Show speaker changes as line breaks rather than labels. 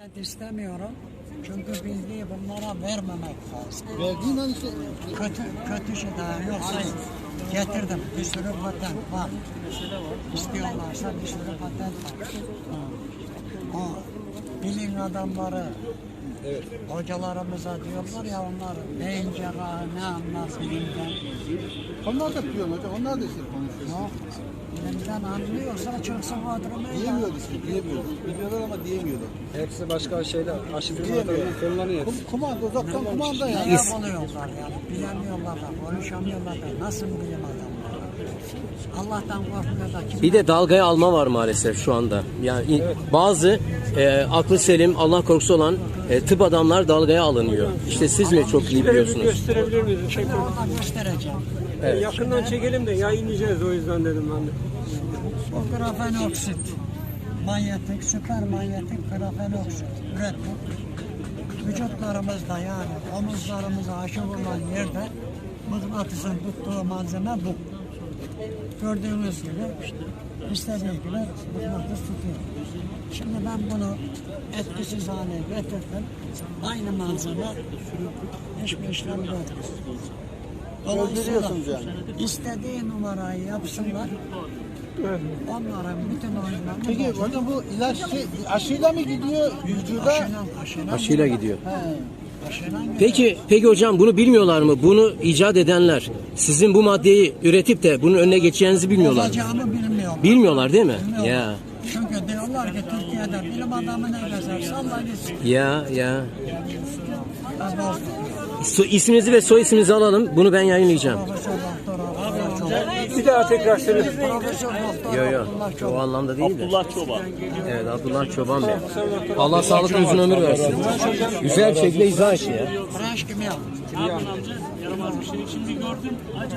İstemiyorum. Çünkü bilgiyi bunlara vermemek lazım.
Verdiğin an işte
Kötü şey daha yoksa getirdim. Bir sürü patent var. İstiyorlarsa bir sürü patent var. O bilim adamları, hocalarımıza diyorlar ya, onlar beyin cerrahı ne anlar bilimden.
onlar da biliyor hocam. Onlar da işte konuşuyor.
Yok. Bilimden anlıyorsa çıksın kadrona.
Diyemiyor işte, diyemiyor. Biliyorlar ama diyemiyorlar.
Hepsi başka şeyler. Aşırı kullanıyor.
Kumanda, uzaktan kumanda yani.
Ne yapılıyorlar yani? Bilemiyorlar da, konuşamıyorlar da. Nasıl bilim adamları? Allah'tan korkmuyor da kim?
Bir de dalgaya alma var maalesef şu anda. Yani bazı aklı selim, Allah korkusu olan tıp adamlar dalgaya alınıyor. İşte siz mi çok iyi biliyorsunuz?
Gösterebilir miyiz?
Şimdi orada göstereceğim.
Yakından çekelim de yayınlayacağız, o yüzden dedim ben de.
O grafenoksit, manyetik, süper manyetik grafenoksit ürettik. Vücutlarımızda yani omuzlarımıza aşı vurulan yerde mıknatısın tuttuğu malzeme bu. Gördüğünüz gibi istediği gibi mıknatıs tutuyor. Şimdi ben bunu etkisiz hale getirdim. Aynı malzeme hiçbir işlem yok.
Öldürüyorsunuz yani.
İstediği numarayı yapsınlar. Onların bütün oyunlarını
Peki hocam bu ilaç aşıyla mı gidiyor vücuda?
Aşıyla gidiyor.
Aşıyla
Peki hocam, bunu bilmiyorlar mı? Bunu icat edenler sizin bu maddeyi üretip de bunun önüne geçeceğinizi bilmiyorlar mı?
olacağını bilmiyorlar.
Bilmiyorlar değil mi?
Bilmiyorlar.
Ya.
Çünkü diyorlar ki Türkiye'de bilim adamı ne gezer salla gitsin.
Ya.
Bozdu.
İsminizi ve soy isminizi alalım. Bunu ben yayınlayacağım.
Profesör doktor
Bir daha tekrar söyle.
Profesör doktor
Yok.
Abdullah
O
Çoban.
anlamda değil de.
Abdullah Çoban.
Evet, Abdullah Çoban Bey. Allah sağlıklı uzun ömür versin. Güzel bir şekilde izah etti ya.
Branş kimya.
Yaramaz bir şey. Şimdi gördüm.